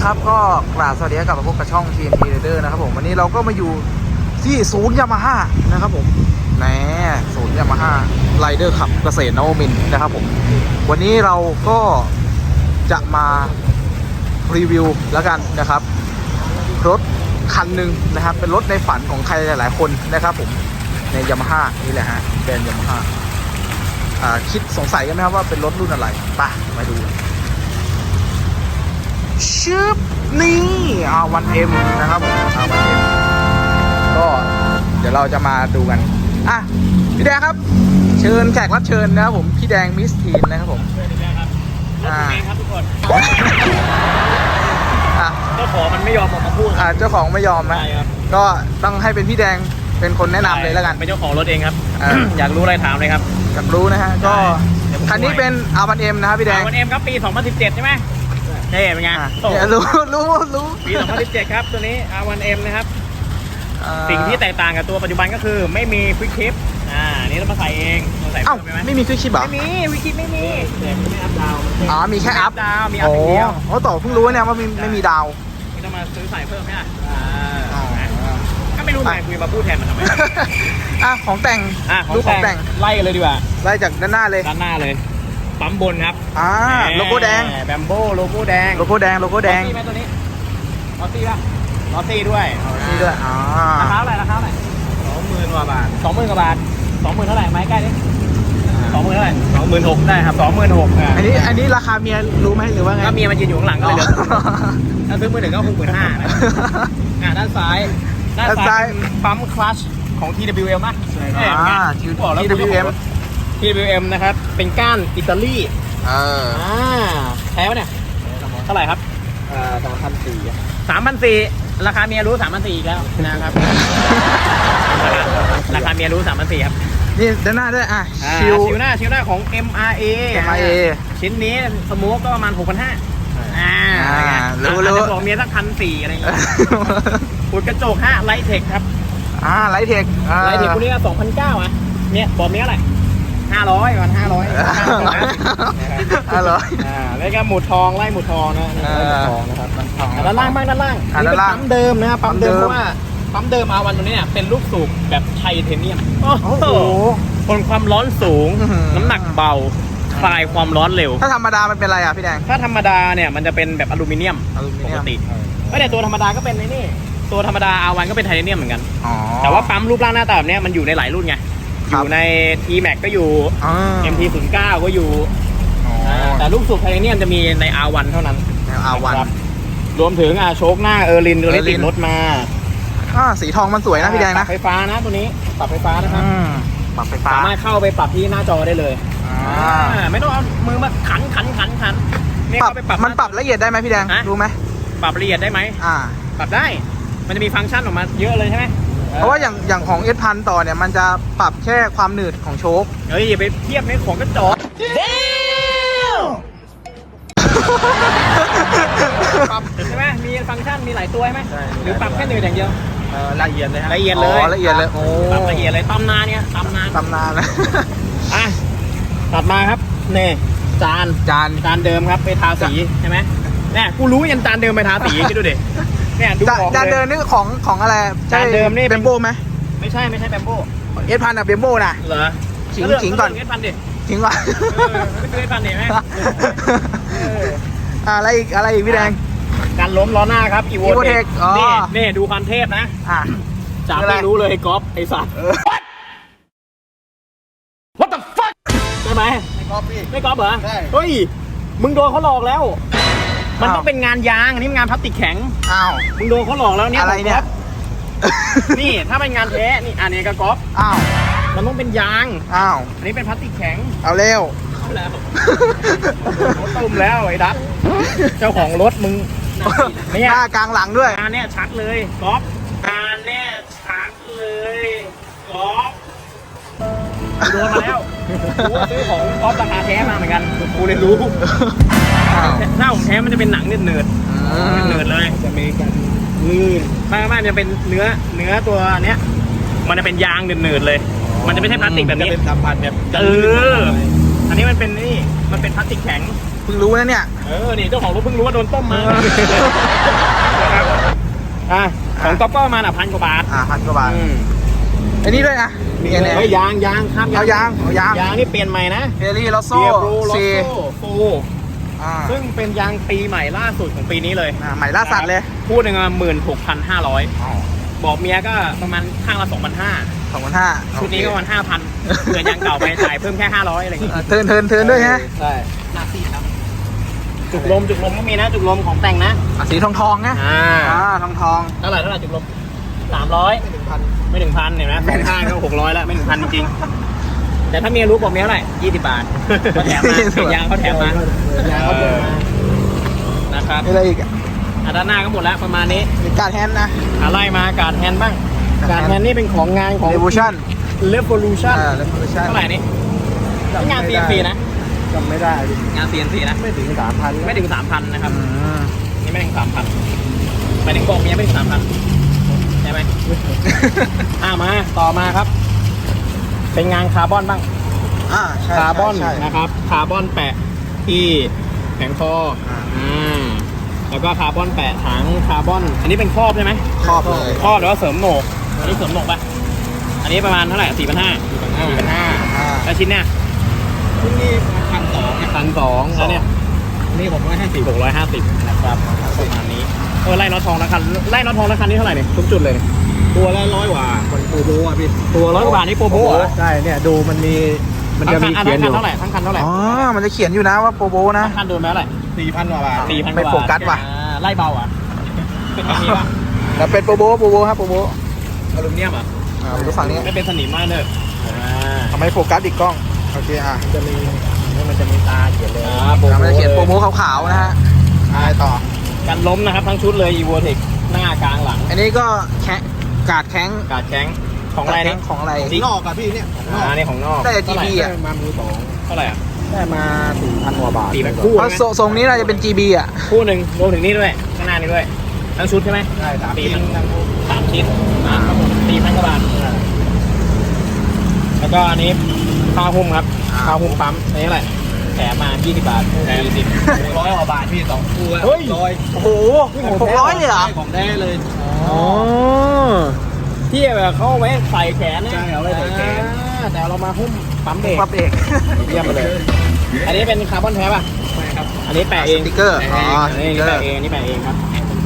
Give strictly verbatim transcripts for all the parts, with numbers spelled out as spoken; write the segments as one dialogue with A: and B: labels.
A: นะครับก็กราบสวัสดีกับพบกับช่อง ที เอ็น ที Rider นะครับผมวันนี้เราก็มาอยู่ที่ศูนย์ยามาฮ่านะครับผมแหนศูนย์ยามาฮ่าไรเดอร์ขับเกษตรนวมินทร์นะครับผมวันนี้เราก็จะมารีวิวแล้วกันนะครับรถคันหนึ่งนะครับเป็นรถในฝันของใครหลายๆคนนะครับผมในยามาฮ่านี่แหละฮะแบรนด์ยามาฮ่าคิดสงสัยกันไหมครับว่าเป็นรถรุ่นอะไรไปมาดูชึบนี่อาวันเอ็มนะครับอาวันเอ็มก็เดี๋ยวเราจะมาดูกันอ่ะพี่แดงครับเชิญแขกรับเชิญนะครับผมพี่แดงมิสทีนนะครับผม
B: เชิญได้ครับรถเองครับทุกคนเจ้าของมันไม่ยอมออกมาพูด
A: อ่าเจ้าของไม่ยอมนะก็ต้องให้เป็นพี่แดงเป็นคนแนะนำเลยแล้วกัน
B: เป็นเจ้าของรถเองครับอยากรู้อะไรถามเลยครับ
A: อยากรู้นะฮะก็คันนี้เป็นอาวันเอ็มนะครับพี่แดง
B: อาวันเอ็มครับปีสองพันสิบเจ็ดใช่ไหมใช่เป็นไง
A: รู้รู้รู้
B: ปีสองพันสิบเจ็ดครับตัวนี้ อาร์ วัน เอ็ม นะครับสิ่งที่แตกต่างกับตัวปัจจุบันก็คือไม่มีควิกชิปอ่านี่เรามาใส่เองเราใส่
A: เอ้าไม่มีควิกชิปเหรอ
B: ไม่มีควิกชิปไม่มีแต่ไม่อัพดาว
A: อ๋อมีแค่อัพ
B: ดาวมีอัพเดียว
A: โอ้ต่อเพิ่งรู้เนี่ยว่าไม่มีดาว
B: นี่ต้องมาซื้อใส่เพิ่มไหมอ่ะก็ไม่รู้ไงคุยมาพูดแทนมันทำไม
A: อ่ะของแต่ง
B: อ่ะของแต่งไล่กันเลยดีกว่า
A: ไล่จากด้านหน้าเลย
B: ด้านหน้าเลยปั๊มบนครับ
A: อ่าโลโก้แดง
B: แบมโบโลโก้แดง
A: โลโก้แดงโลโก้แดง
B: ลอซี่ไหมตัวนี้ลอซี่ป่ะลอซี่ด้วย
A: ลอซี่ด้วยอ่า
B: ราคาเท่าไหร่ราคาเท่าไหร่สองหมื่นกว่าบาทสองหมื่นกว่าบาทสองหมื่นเท่าไหร่ไม้ใกล้ดิสองหมื่นเท่าไหร่สองหมื่นหกได้ครับสองหมื่นหก
A: อันนี้อันนี้ราคาเมียรู้ไหมหรือว่าไง
B: ก็เมียมันยืนอยู่ข้างหลังก็เลยถ้าซื้อมือหนึ่งก็หกหมื่นห้าอ่าด้านซ้ายด้านซ้ายปั๊มคลัตช์ของ ที ดับเบิลยู เอ็ม ป่ะ
A: อ่า ที ดับเบิลยู เอ็ม
B: ที ดับเบิลยู เอ็ม นะครับเป็นก้านอิตาลี
A: เออ
B: อ่าแท้ปะเนี่ยเท่าไหร่ครับ
A: เอ่อสามพันสี่
B: สามพันสี่ราคาเมียรู้สามพันสี่อีกแล้วนะครับราคาเมียรู้สามพันสี่ครับ
A: นี่ด้านหน้าด้วยอ่ะ
B: ชิวชิวหน้าชิวหน้าของ เอ็ม อาร์ เอ
A: เอ็ม อาร์ เอ
B: ชิ้นนี้สโมกก็ประมาณหกพันห้าอ่า
A: รู้รู้
B: บอกเมียสักพันสี่อะไรอย่างเงี้ยขุดกระจกฮะไลท์เทคครับ
A: อ่าไลท์เทค
B: ไลท์เทคพวกนี้ก็สองพันเก้าอ่ะเนี่ยบอกเมียอะไรห้าร้อยวันห้าร้อย
A: ห้าร้อย
B: อ่าแล้วก็หมุดทองไล่หมุดทองนะหมุดทองนะครับด้านล่างบ้างด้านล่างนี่เป็นปั๊มเดิมนะครับปั๊มเดิมเพราะว่าปั๊มเดิมอาวันตัวนี้เนี่ยเป็นลูกสูบแบบไทเทเนียมโอ้โหทนความร้อนสูงน้ำหนักเบาคลายความร้อนเร็ว
A: ถ้าธรรมดามันเป็นอะไรอ่ะพี่แดง
B: ถ้าธรรมดาเนี่ยมันจะเป็นแบบอลูมิเนียมปกติไม่แต่ตัวธรรมดาก็เป็นในนี่ตัวธรรมดาอาวันก็เป็นไทเทเนียมเหมือนกันแต่ว่าปั๊มรูปร่างหน้าตาแบบนี้มันอยู่ในหลายรุ่นไงอยู่ใน ที แม็ก ก็อยู่ เอ็ม ที ศูนย์เก้า ก็อยู่แต่ลูกสูบไทเทเนียมจะมีใน อาร์ วัน เท่านั้น
A: ใน อาร์ วัน
B: รวมถึงอ่ะโชคหน้าเออร์ลินตัวนี้ติดรถมา
A: อ่าสีทองมันสวยนะพี่แดงนะ
B: ปรับไฟฟ้านะตัวนี้ปรับไฟฟ้านะครับ
A: ปรับไฟฟ้า
B: สามารถเข้าไปปรับที่หน้าจอได้เลยไม่ต้องเอามือมาขันขันขันขัน
A: ปรับมันปรับละเอียดได้ไหมพี่แดงรู้ไหม
B: ปรับละเอียดได้ไหม
A: อ่า
B: ปรับได้มันจะมีฟังก์ชันออกมาเยอะเลยใช่ไหม
A: เพราะว่าอย่างอย่างของเอสพันต่อเนี่ยมันจะปรับแค่ความหนืดของโชค
B: เฮ้ยอย่าไปเทียบในของกระจกปรับใช่ไหมมีฟังก์ชันมีหลายตัวใช่ไหมหรือปรับแค่หนืดอย่างเดียว
A: ละเอียดเลย
B: ละเอียดเลย
A: ละเอียดเลยโอ้
B: ปรับละเอียดเลยตำนานเนี่ยตำนาน
A: ตำนานนะ
B: อ่ะตัดมาครับเนี่ยจาน
A: จาน
B: จานเดิมครับไปทาสีใช่ไหมเนี่ยกูรู้ยันจานเดิมไปทาสีคิดดูดิเนี่ยดูออก
A: จานเดิมนี่ของของอะไร
B: จานเดิมนี่
A: เบมโบไหม
B: ไม่ใช่ไม่ใช่เบมโบ
A: เอสพันอะเบมโบนะ
B: เหรอ
A: ขิงขิงก่อน
B: เอสพันดิ
A: ขิงก่อน
B: ไม่คือเอสพันดิไหม
A: อะไรอีกอะไรอีกพี่แดง
B: การล้มล้อหน้าครับอีโว
A: เทค
B: นี่นี่ดูคันเทพนะจับไม่รู้เลยก๊อฟไอสัตว์ What the fuck ใช่ไหมไม่ก๊อฟพี่ไม่ก๊อฟเหรอเฮ้ยมึงโดนเขาหลอกแล้วมันต้องเป็นงานยางอันนี้งานพลาสติกแข็ง
A: อ้าว
B: มึงโดนเขาหลอกแล้วเนี่ย
A: อะไรเนี่ย
B: นี่ถ้าเป็นงานแท้นี่อันนี้ก็ก๊อฟ
A: อ้าว
B: มันต้องเป็นยาง
A: อ้าว
B: อันนี้เป็นพลาสติกแข็ง
A: เอาเร็ว
B: เอาแล้วตุ้มแล้วไอ้ดับเจ้าของรถมึง
A: เนี่ยหน้ากลางหลังด้วย
B: งานเนี่ยชัดเลยก๊อฟงานเนี่ยชัดเลยก๊อฟโดนมาแล้วกูซื้อของก๊อฟราคาแท้มาเหมือนกันกูเลยรู้หน้าของแท้มันจะเป็นหนังเนืดเนืดเนืดเลย
A: จะมีกันลื่น
B: ไม่ไม่มันจะเป็นเนื้อเนื้อตัวเนี้ยมันจะเป็นยางเนืดเนืดเลยมันจะไม่ใช่พลาสติกแบบนี้
A: เป็นสัมผัสแบบ
B: เอออันนี้มันเป็นนี่มันเป็นพลาสติกแข็ง
A: เพิ่งรู้นะเนี่ย
B: เออนี่เจ้าของรถเพิ่งรู้ว่าโดนต้มมานะครับอ่ะของก๊อปก็ประมาณอ่ะพันกว่าบาท
A: อ่าพันกว่าบาท
B: อืม
A: อันนี้ด้วยนะมีอะไร
B: เฮ้ยยางยางครับ
A: เอายางเอายาง
B: ยางนี่เปลี่ยนใหม่นะ
A: เฟรี่ลอโซ่
B: เบียร์บลูโล
A: ซี
B: โซ่ฟู
A: อ่า
B: ซึ่งเป็นยางปีใหม่ล่าสุดของปีนี้เลย
A: อ่าใหม่ล่าสัตว์เลย
B: คู่หนึ่งหมื่นหกพันห้าร้อยบอกเมียก็ประมาณข้างละสองพันห้า
A: สองพันห้า
B: ชุดนี้ก็ประมาณห้าพันเกินยางเก่าไปจ่ายเพิ่มแค่ห้าร้อยอะไรอย่างเงี้ย
A: เทินเทินเทินด้วยฮะ
B: ใช่หน้าซีดครับจุกลมจุกลมก็มีนะจุกลมของแต่งนะ
A: อ่ะสีทองทองๆนะ
B: อ่า
A: อ่าทองทอง
B: เท่าไหร่เท่าไหร่จุกลมสามร้อยไม่ถึงพันไม่ถึงพันเห็นไหมแฟนข้างก็หกร้อยแล้วไม่ถึงพันจริงๆแต่ถ้าเมียรู้บอกเมียเท่าไหร่ยี่สิบบาทเขาแถมมาเป็นยางเขาแถมมายางเขาแถมมานะครับ
A: มีอะไรอีกอ่ะ
B: อ่ะด้านหน้าก็หมดแล้วประมาณนี้
A: มีการแฮนด์นะ
B: อ่ะไล่มาการแฮนด์บ้างการแฮนด์นี่เป็นของงานของ
A: Revolution
B: Revolution
A: อ่า Revolution
B: เท่าไหร่นี่งาน ซี เอ็น ซี นะ
A: จำไม่ได้ดิ
B: งาน ซี เอ็น ซี นะ
A: ไม่ถึงสามพัน
B: ไม่ถึงสามพันนะครับ
A: อืม
B: นี่ไม่ถึงสามพันหมายถึงบอกเมียไม่ถึงสามพันใช่ไหม อ่ามาต่อมาครับ เป็นงานคาร์บอนบ้าง
A: อ่าใช่
B: คาร์บอน
A: ใช่ใช่
B: นะครับคาร์บอนแปะที่แผงคออ่า
A: อ่า
B: แล้วก็คาร์บอนแปะถังคาร์บอน อันนี้เป็นครอบใช่ไหม
A: ครอบเลย
B: ครอบหรือว่าเสริมโหนกอันนี้เสริมโหนกปะอันนี้ประมาณเท่าไหร่สี่พันห้าสี่พันห้า
A: อ่า
B: แล้วชิ้นเนี้ย
A: ที่นี่พันสอง
B: พันสองแล้วเนี่ย
A: นี่ผมก็ให้สี่
B: หกร้อยห้าสิบนะครับประมาณนี้เออไล่น็อตทองละคันไล่น็อตทองละคันนี้เท่าไหร่เนี่ยทุกจุดเลย
A: ตัวละร้อยกว่าคนปูโบอ่ะพี่
B: ตัวร้อยกว่าบาทนี่โปรโบเหรอ
A: ใช่เนี่ยดูมันมีมันจะ
B: ทั้ง
A: มี
B: คัน
A: เขียนอยู่
B: ทั้งคันเท่าไหร่ทั้งคันเท่าไหร่
A: อ๋อมันจะเขียนอยู่นะว่าโปรโบนะ
B: ทั้งคันโดนไปเท่าไหร่
A: สี่พันกว่าบาท
B: สี่พัน
A: ไม่โฟกัสว่ะ
B: ไล่เบาอ่ะเป็นแบบนี้ป่ะ
A: แล้วเป็นโปรโบโปรโบครับโปรโบ
B: อลูมิเนียมอ่ะ
A: อ่ามาดูฝั่งนี้
B: ไม่เป็นสนิมมากเลยอ่า
A: ทำไมโฟกัสอีกกล้องโอเคอ่ะจะมีมันจะมีตาเขียนเลย
B: อ่าโปรโบ
A: มันจะเขียนโปรโบขาวๆนะฮะอะไรต่อ
B: กันล้มนะครับทั้งชุดเลย อีโวเทคหน้ากลางหลัง
A: อันนี้ก็แคะกาดแข้ง
B: กาดแข้งของอะไรนี่
A: ของอะไร
B: สี
A: นอกอะพี่เนี่ยของนอก
B: อ่านี่ของนอก
A: ได้จาก จี พี อ่ะ
B: มามือสองเท่าไหร่อ่ะ
A: ได้มาสี่พันกว่าบาท
B: สี่พันคู่
A: เพราะทรงทรงนี้น่าจะเป็น จี บี อ่ะ
B: คู่หนึ่งรวมถึงนี่ด้วยข้างหน้านี่ด้วยทั้งชุดใช่ไหม
A: ใช่สาม
B: สี่
A: ชิ้
B: พั
A: น
B: นสามชิ้นอ่าครับผมสี่พันกว่าบาทแล้วก็อันนี้ข้าวหุ้มครับข้าวหุ้มปั๊มอันนี้เท่าไหร่แถมมายี่สิบบาทแถมสิบ
A: ร้อยกว่าบาทพี่สองคู่
B: เฮ้ย
A: ร้อยโอ้โหหกร้อยเลยเหรอ
B: ของแท้เลย
A: อ๋อ
B: ที่แบบเขาเอาไว้ใส่แขนนะ
A: ใช่เอาไว้ใส่แขน
B: อ่าแต่เรามาหุ้มปั๊มเบรก
A: ปั๊บเอก
B: เยี่ยมไปเลย อันนี้เป็นคาร์บอนแท้ป่ะ
A: ใช่ครับ
B: อันนี้แปะเอง
A: สติ๊กเกอร์
B: แปะ
A: อ๋อ
B: เองอันนี้
A: สติ๊กเกอร์
B: แปะเองอันนี้แปะเองครับ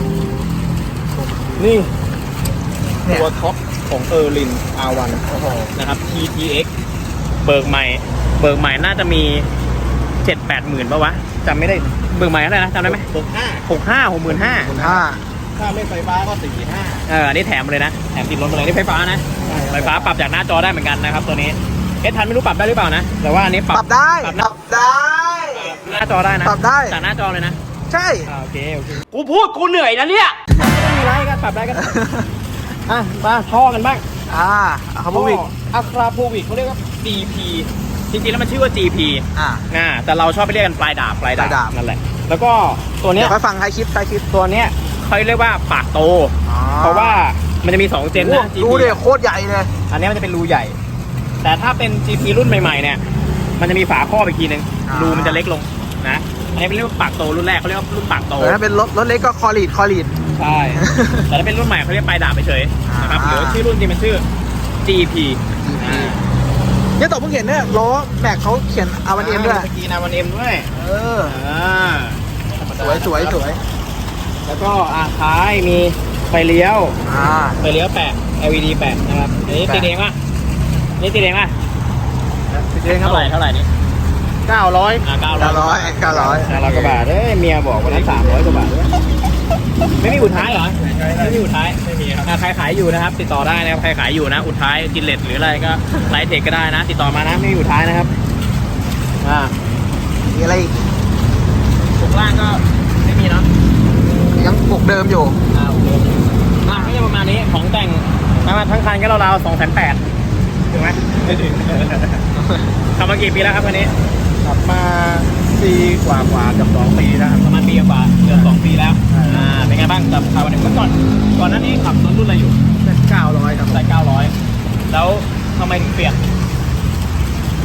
B: นี่
A: เนี่ย
B: ตัวท็อปของเออร์ลิน อาร์ วัน
A: โอ้โห
B: นะครับ ที ที เอ็กซ์ เบิกใหม่ เบิกใหม่น่าจะมีเจ็ดแปดหมื่นป่ะวะจำไม่ได้ เบิกใหม่เท่าไหร่นะจำได้ไหม
A: หกห้า
B: หกห้าหกหมื่นห้า
A: คุณห้า
B: ถ้าไม่ไฟฟ้าก็สี่ห้าเอออันนี้แถมมาเลยนะ แถมติดรถมาเลยนี่ไฟฟ้านะ ไฟฟ้าปรับจากหน้าจอได้เหมือนกันนะครับตัวนี้ เอสทันไม่รู้ปรับได้หรือเปล่านะ แต่ว่าอันนี้ป
A: ป
B: รั
A: รับ บได้
B: ปรับ
A: ป
B: หน้า
A: รับได้
B: หน้าจอได้นะ
A: ปรับได้
B: จากหน้าจอเลยนะ
A: ใช่
B: อ่าโอเคโอเคกูพูดกูเหนื่อยนะเนี่ยไม่มีไรก็ปรับได้ก็ได้อ่ะมาท่อกันบ้าง
A: อ่าเขาพูดอีก
B: อะคราโพวิกเขาเรียกว่า จี พี จริงๆแล้วมันชื่อว่า จี พี
A: อ่า
B: อ่าแต่เราชอบไปเรียกกันปลายดาบปลาย
A: ปลายดา
B: ดา
A: บ
B: บนั่นแหละ แล้วก็ตัวเนี้
A: เดี๋
B: ย
A: ยวไปฟังใครคิดใครคิด
B: ตัวเนี้ยเขาเรียกว่าปากโต
A: อ๋อ
B: เพราะว่ามันจะมีสองเจนนะ
A: ดู
B: จี
A: เด็
B: พี
A: โคตรใหญ่เลย
B: อันนี้มันจะเป็นรูใหญ่ แต่ถ้าเป็น จี พี รุ่นใหม่ๆเนี่ย มันจะมีฝาครอบอีกทีนึง
A: อ่า
B: รูมันจะเล็กลงนะ อันนี้เป็นเรียกว่าปากโตรุ่นแรกเขาเรียกว่ารุ่นปากโต
A: เออถ้าเป็นรถรถเล็กก็คอลีดคอลีด
B: ใช่ แต่ถ้าเป็นรุ่นใหม่เขาเรียกปลายดาบไปเฉยๆนะครับ
A: อ่า
B: หรือชื่อรุ่นจริงมันชื่อ จี พี อ่า
A: เนี่ยต่อเพิ่งเห็นเนี่ยล้อแม็กเขาเขียนอาวันเอ็มด้วย
B: สกีนาวันเอ็มด้วย
A: เออ
B: อ่า
A: สวยสวยสวย
B: แล้วก็อ่าท้ายมีไฟเลี้ยว
A: อ่า
B: ไฟเลี้ยวแปะ แอล อี ดี แปะนะครับอันนี้
A: แปะ
B: ติดเองป่ะอันนี่ติดเองป่ะ
A: พี่เจ๊ครับ
B: เท่าไหร่เท่าไหร่นี่
A: เก้าร้อย
B: อ่าเก้า
A: เก้าร้อยเก้าร้อย
B: เก้าร้อยกว่าบาทเอ้ยเมียบอกวันนั้นสามร้อยกว่าบาทด้วยไม่มีอุดท้ายเหรอไม่มีอุดท้ายไม่มีครับใครขายอยู่นะครับ ติดต่อได้นะครับใครขายอยู่นะอุดท้ายจินเลตหรืออะไรก็ไลท์เทคก็ได้นะ ติดต่อมานะไม่มีอุดท้ายนะครับอ่า
A: มีอะไรอีก
B: ตรงล่างก็ไม่มีเนาะ
A: ยังปกเดิมอยู่
B: อ่าโอเคอ่าก็จะประมาณนี้ของแต่งประมาณทั้งคันก็ราวๆสองแสนแปดถึงไหมไม่ถึงทำมากี่ปีแล้วครับคันนี้
A: ขับมาปีกว่ากว่ากับสองปีแล้วครับ
B: ประมาณปีกว่าเกือบสองปีแล้วอ่าเป็นไงบ้างกับคาร์บอนเมื่อก่อนก่อนหน้านี้ขับรถรุ่นอะไรอยู่
A: เก้าร้อยครับ
B: ใส่เก้าร้อยแล้วทำไมถึงเปลี่ยน
A: ร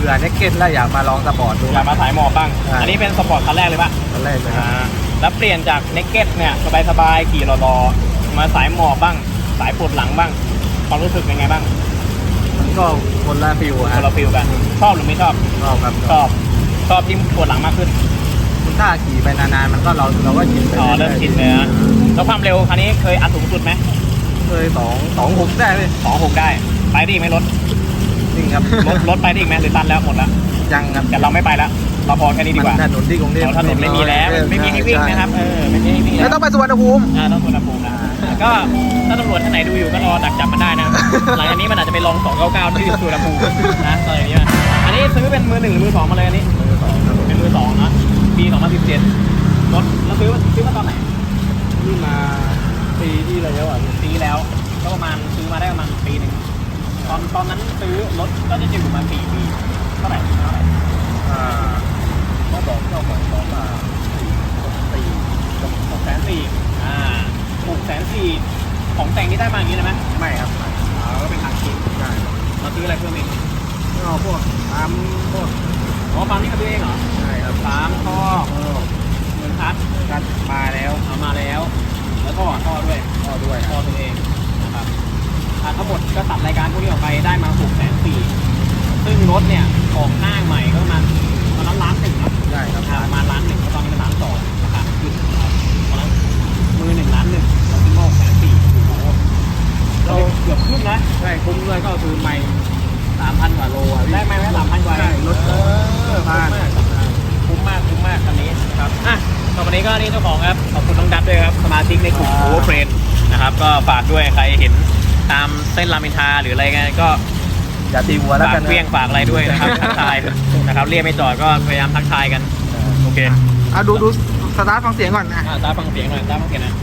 A: บื่อเน็กเก็ตแล้วอยากมาลองสปอร์ตดู
B: อยากมาสายหมอบบ้าง
A: ใช่
B: อันนี้เป็นสปอร์ตคันแรกเลยป่ะ
A: ตอนแรกเลยครับ
B: อ่าแล้วเปลี่ยนจากเนกเก็ตเนี่ยสบายๆขี่รอๆมาสายหมอบบ้าง สายปวดหลังบ้างความรู้สึกเป็นไงบ้าง
A: มันก็คนละฟิว
B: ค
A: ฮะ
B: นละฟิลกันชอบหรือไม่ชอบ
A: ชอบครับ
B: ชอบชอบที่ปวดหลังมากขึ้น
A: ถ้าขี่ไปนานๆมันก็เราเราก็ชินไป
B: อ๋อเริ่มชินเลยนะแล้วความเร็วคันนี้เคยอัดสูงสุดไหม
A: เคยสองสองหกได้เลย
B: สองหกได้ไปได้อีกไหมรถ
A: จริงครับ
B: รถรถไปได้อีกไหมหรือตันแล้วหมดแล้ว
A: ยังครับ
B: แต่เราไม่ไปแล้วเราพอแค่นี้ดีกว่า
A: ถนนที่กรุงเทพ
B: เราถนนไม่มีแล้วไม่มีให้วิ่งนะครับเออไม่มีให้วิ่ง
A: ไม่
B: แล้ว
A: ต้องไปสุวรรณภูมิ
B: อ่าต้องสุวรรณภูมินะก็ถ้าตำรวจท่านไหนดูอยู่ก็รอดักจับมันได้นะ หลังจากนี้มันอาจจะไปลองสองเก้าเก้าที่สุวรรณภูมินะตอนนี้นะอันนี้ซื้อเป็นมือหนึ่งหรือมือสองมาเลยอันนี้
A: มือสองครับ
B: เป็นมือสองนะปีสองพันสิบเจ็ดรถแล้วซื้อซื้อมาตอนไหน
A: นี่มาปีที่แล้วอ่ะ
B: ปีแล้วก็ประมาณซื้อมาได้ประมาณปีหนึ่งตอนตอนนั้นซื้อรถก็จะอยู่ประมาณสี่ปีเท่าไหร่เท่าไหร่
A: อ่าเขาบอกเจ้าของบอกว่าสี่
B: หกแสนสี่อ่าหกแสนสี่ของแต่งนี่ได้มาอย่างนี้เลยไหม
A: ไม่ครับ
B: อ่าก็เป็นทางคิด
A: ใช่
B: เราซื้ออะไรเพิ่มเอง
A: ก็พวกตามพวก
B: อ๋อปั๊มนี่ก็ซื้อเองเหรอ
A: ใช่ครับ
B: ปั๊มท่อ
A: เออ
B: เงินคัด
A: กันมาแล้ว
B: เอามาแล้ว แล้วก็ท่อด้วย
A: ก็ด้วย
B: ท่อตัวเองนะครับอ่าทั้งหมดก็ตัดรายการพวกนี้ออกไปได้มาหกแสนสี่ซึ่งรถเนี่ยออกหน้าใหม่ก็ประมาณตอนนั้นล้านหนึ่งนะ
A: ใช่ครับ
B: ราคาประมาณล้านหนึ่งตอนนี้เป็นล้านสองราคาขึ้นนะครับตอนนั้นมือหนึ่งล้านหนึ่งเราซื้อมาหกแสนสี่โอ้โหเราเกือบครึ่งนะ
A: ใช่คุ้มด้วยก็คือไม่สามพันกว่าโลอ่ะพี่
B: ได้ไหมแค่สามพันกว่า
A: ใช่รถ
B: เออ
A: ผ่าน
B: คุ้มมากคุ้มมากคุ้มมากคันนี้นะครับอ่ะต่อไปนี้ก็นี่เจ้าของครับขอบคุณน้องดับด้วยครับสมาชิกในกลุ่มโอเวอร์เฟรนนะครับก็ฝากด้วยใครเห็นตามเส้นรามอินทราหรืออะไรเงี้ยก็
A: อย่าตีหัวแล้ว
B: ฝาก
A: กันนะ
B: เพี้ยงฝากอะไรด้วยนะครับ ทักทายนะครับเรียกไม่จอดก็พยายามทักทายกันโอเค
A: อ่ะดูดูสตาร์ทฟังเสียงก่อนนะ
B: อ่ะตาฟังเสียงหน่อยตาฟังเสียงหน่อย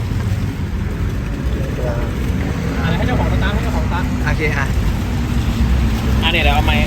B: อ่ะให้เจ้าของสตาร์ทให้เจ้าของสตาร์ท
A: โอเคอ่ะ
B: อ่ะเนี่ยเดี๋ยวเอาไมค์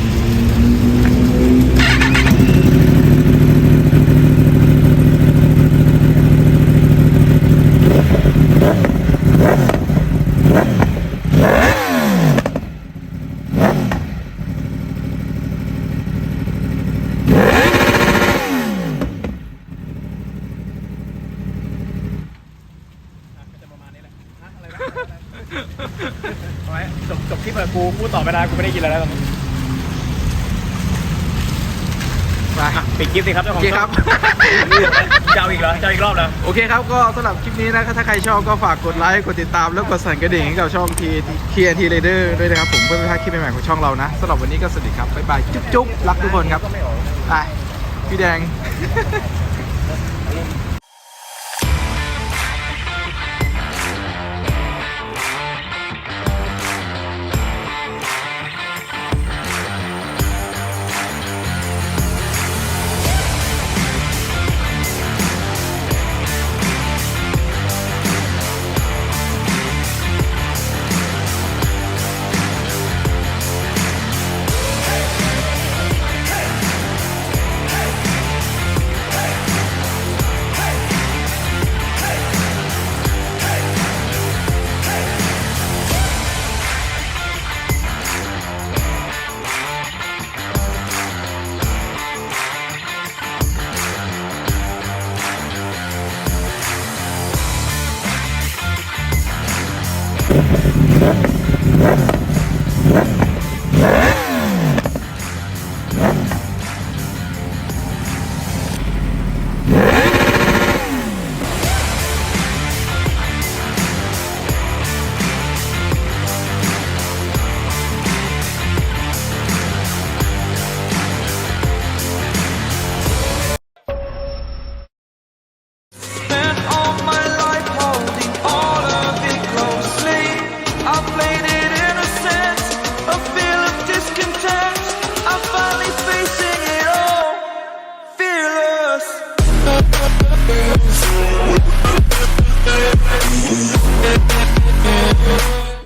B: เอาไว้จบจบที่เปิดกูพูดต่อไม่ได้กูไม่ได้กินอะไรแล้วตอนนี้
A: ไป
B: อ่ะปิดคลิปสิครับเจ้าข
A: โอ
B: อง
A: เคครับ
B: จะเอาอีกเหรอจะเอาอีกรอบเหรอ
A: โอเคครับก็สำหรับคลิปนี้นะถ้าใครชอบก็ฝากกดไลค์กดติดตามแล้วกดสั่นกระดิ่งให้กับช่อง ที ที เอ็น ที Rider ด้วยนะครับผมเพื่อไม่พลาดคลิปใหม่ๆของช่องเรานะสำหรับวันนี้ก็สวัสดีครับบ๊ายบายจุ๊บจุ๊บรักทุกคนครับไปพี่แดง